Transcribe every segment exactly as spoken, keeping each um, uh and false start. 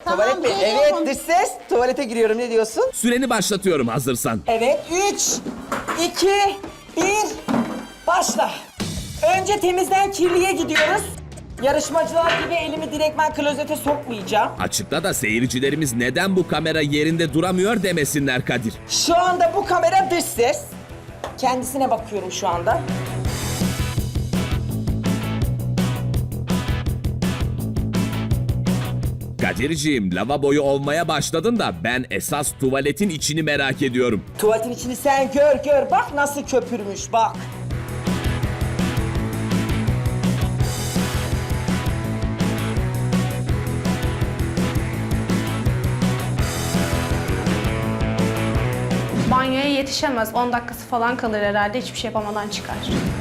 Tamam, Tuvalet mi? geliyorum. Evet, dış ses. Tuvalete giriyorum, ne diyorsun? Süreni başlatıyorum hazırsan. Evet, üç, iki, bir, başla. Önce temizden kirliye gidiyoruz. Yarışmacılar gibi elimi direktmen klozete sokmayacağım. Açıkla da seyircilerimiz neden bu kamera yerinde duramıyor demesinler Kadir. Şu anda bu kamera dış ses. Kendisine bakıyorum şu anda. Kadir'ciğim lavaboyu olmaya başladın da ben esas tuvaletin içini merak ediyorum. Tuvaletin içini sen gör gör. Bak nasıl köpürmüş bak. Banyoya yetişemez. on dakikası falan kalır herhalde. Hiçbir şey yapamadan çıkar.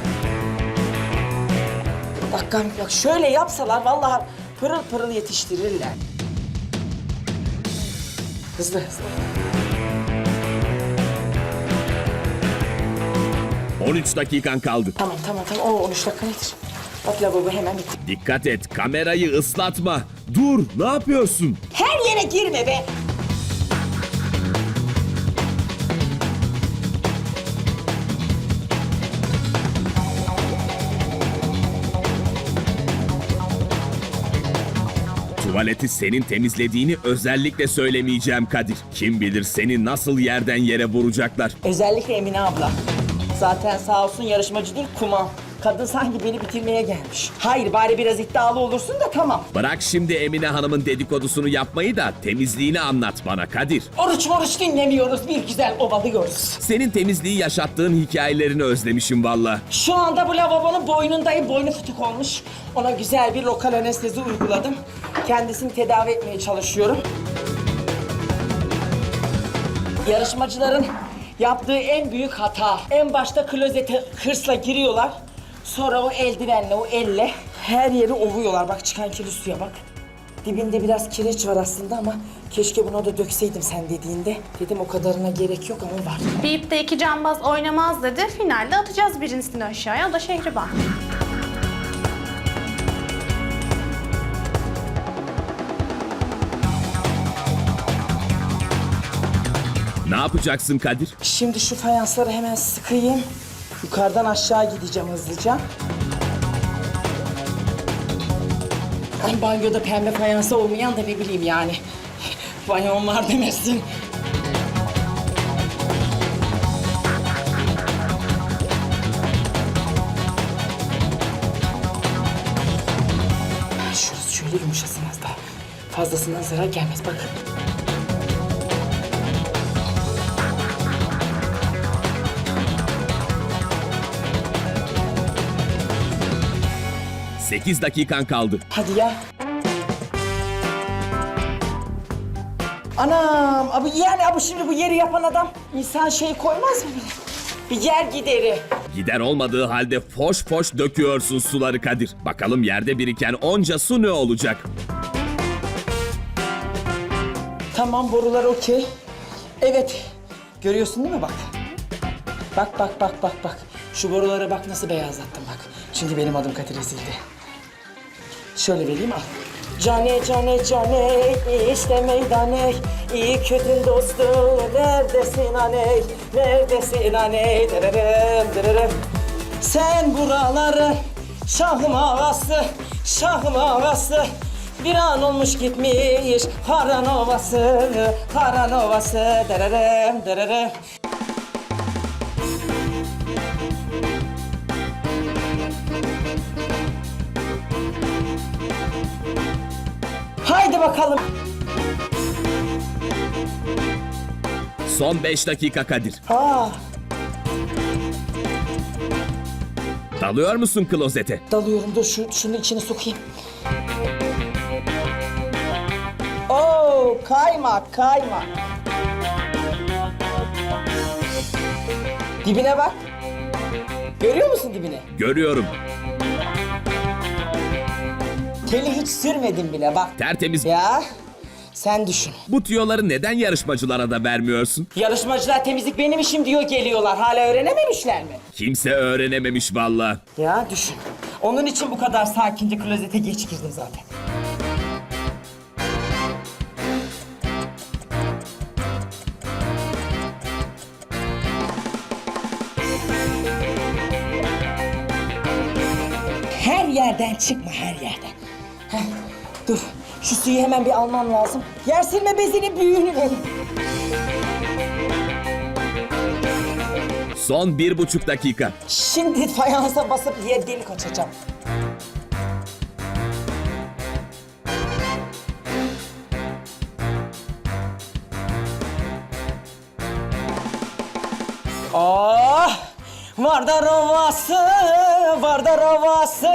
Bak Gamze, bak şöyle yapsalar vallahi pırıl pırıl yetiştirirler. Hızlı hızlı. on üç dakikan kaldı. Tamam tamam tamam. Oo on üç dakika nedir? Bak lavabo hemen bitti. Dikkat et, kamerayı ıslatma. Dur, ne yapıyorsun? Her yere girme be. Tuvaleti senin temizlediğini özellikle söylemeyeceğim Kadir. Kim bilir seni nasıl yerden yere vuracaklar. Özellikle Emine abla. Zaten sağ olsun yarışmacı değil kumam. Kadın sanki beni bitirmeye gelmiş. Hayır bari biraz iddialı olursun da tamam. Bırak şimdi Emine Hanım'ın dedikodusunu yapmayı da temizliğini anlat bana Kadir. Oruç moruç dinlemiyoruz. Bir güzel ovalıyoruz. Senin temizliği yaşattığın hikayelerini özlemişim valla. Şu anda bu lavabonun boynundayım. Boynu fıtık olmuş. Ona güzel bir lokal anestezi uyguladım. Kendisini tedavi etmeye çalışıyorum. Yarışmacıların yaptığı en büyük hata. En başta klozete hırsla giriyorlar. Sonra o eldivenle, o elle her yeri ovuyorlar. Bak çıkan kirli suya bak. Dibinde biraz kireç var aslında ama keşke buna da dökseydim sen dediğinde. Dedim o kadarına gerek yok ama var. Deyip de iki cambaz oynamaz dedi. Finalde atacağız birincisini aşağıya. O da Şehriban. Ne yapacaksın Kadir? Şimdi şu fayansları hemen sıkayım. Yukarıdan aşağı gideceğim hızlıca. Ay banyoda pembe fayansı olmayan da ne bileyim yani. Banyon var demesin. Şurası şöyle yumuşasın az daha. Fazlasından zarar gelmez bakın. sekiz dakikan kaldı. Hadi ya. Anam, abi yani abi şimdi bu yeri yapan adam insan şey koymaz mı? Bir yer gideri. Gider olmadığı halde foş foş döküyorsun suları Kadir. Bakalım yerde biriken onca su ne olacak? Tamam borular okey. Evet. Görüyorsun değil mi bak? Bak bak bak bak bak. Şu borulara bak nasıl beyazlattım bak. Çünkü benim adım Kadir Ezildi. Şöyle vereyim al. Cane cane cane işte meydane iyi kötü dostum neredesin aney neredesin aney dererem dererem sen buraları şahım ağası şahım ağası bir an olmuş gitmiş Haran Ovası Haran Ovası dererem dererem. Haydi bakalım. Son beş dakika Kadir. Aa, Dalıyor musun klozete? dalıyorum dur şu şunu içine sokayım. Oo, kaymak kaymak. Dibine bak. Görüyor musun dibine? Görüyorum. Teli hiç sürmedim bile bak. Tertemiz. Ya sen düşün. Bu tüyoları neden yarışmacılara da vermiyorsun? Yarışmacılar temizlik benim işim diyor geliyorlar. Hala öğrenememişler mi? Kimse öğrenememiş valla. Ya düşün. Onun için bu kadar sakince klozete geç girdim zaten. yerden çıkma, her yerden. Heh, dur, şu suyu hemen bir almam lazım. Yer silme bezinin büyüğünü verin. Son bir buçuk dakika. Şimdi fayansa basıp yer delik açacağım. Ah! Vardar Ovası, Vardar Ovası,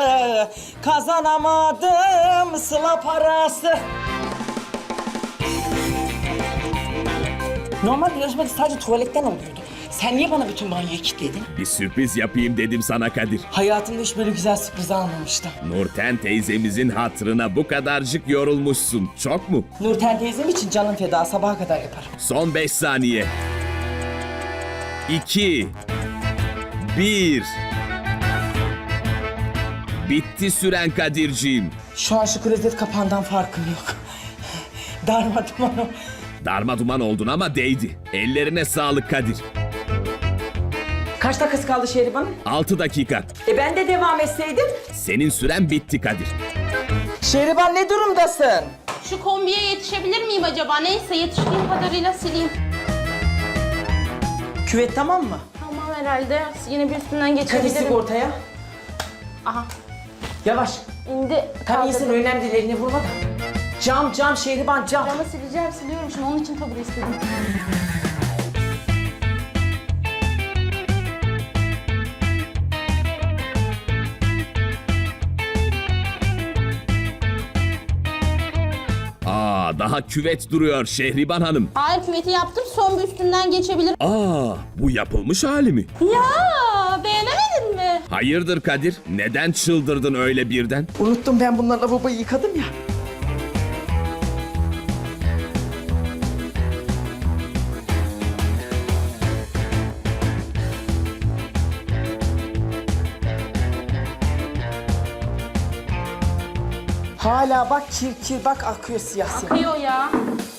kazanamadım sıla parası. Normal yarışmada sadece tuvaletten oluyordu. Sen niye bana bütün banyoyu kilitledin? Bir sürpriz yapayım dedim sana Kadir. Hayatımda hiç böyle güzel sürpriz almamıştım. Nurten teyzemizin hatırına bu kadarcık yorulmuşsun. Çok mu? Nurten teyzem için canım feda, sabaha kadar yaparım. Son beş saniye. İki. Bir. Bitti süren Kadir'ciğim. Şu an şu klozet kapağından farkım yok. Darmaduman o. Darma duman oldun ama değdi. Ellerine sağlık Kadir. Kaç dakikası kaldı Şehriban'ın? Altı dakika. E ben de devam etseydim. Senin süren bitti Kadir. Şehriban ne durumdasın? Şu kombiye yetişebilir miyim acaba? Neyse yetiştiğim kadarıyla sileyim. Küvet tamam mı? Tamam herhalde. Yine bir üstünden Kadir geçebilirim. sigortaya. Aha Yavaş. indi. Tam iyisin, Kaldırdım. önemli değil, elini vurma da. Cam cam Şehriban cam. Camı sileceğim, siliyorum şimdi. Onun için tabure istedim. Aa, daha küvet duruyor Şehriban Hanım. Hayır, küveti yaptım. Son bir üstünden geçebilir. Aa, bu yapılmış hali mi? Ya beğenemedin mi? Hayırdır Kadir? Neden çıldırdın öyle birden? Unuttum, ben bunlarla lavaboyu yıkadım ya. Hala bak kir kir bak akıyor siyah siyah. Akıyor ya.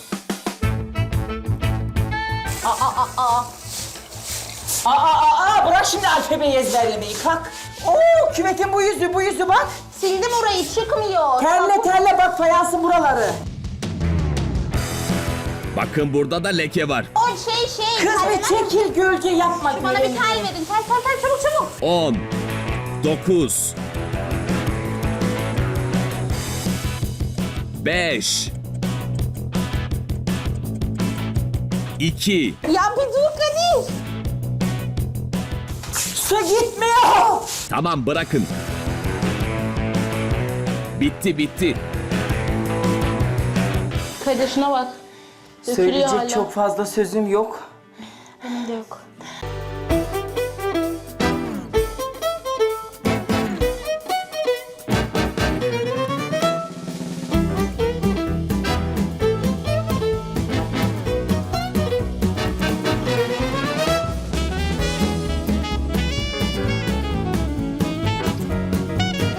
Aa aa aa. Aa, aa, aa, bırak şimdi alfabeyi ezberlemeyi, kalk. Oo, küvetin bu yüzü, bu yüzü bak. Sildim orayı, çıkmıyor. Terle terle bak fayansın buraları. Bakın burada da leke var. O şey şey. Kız tel be ver. çekil, gölge yapma. Bana bir tel verin. Tel tel tel çabuk çabuk. On. Dokuz. Beş. İki. Ya bir dur Kadir. Su gitmiyor. Tamam bırakın. Bitti bitti. Kadir şuna bak. Dökülüyor Söyleyecek hala. çok fazla sözüm yok. Benim de yok.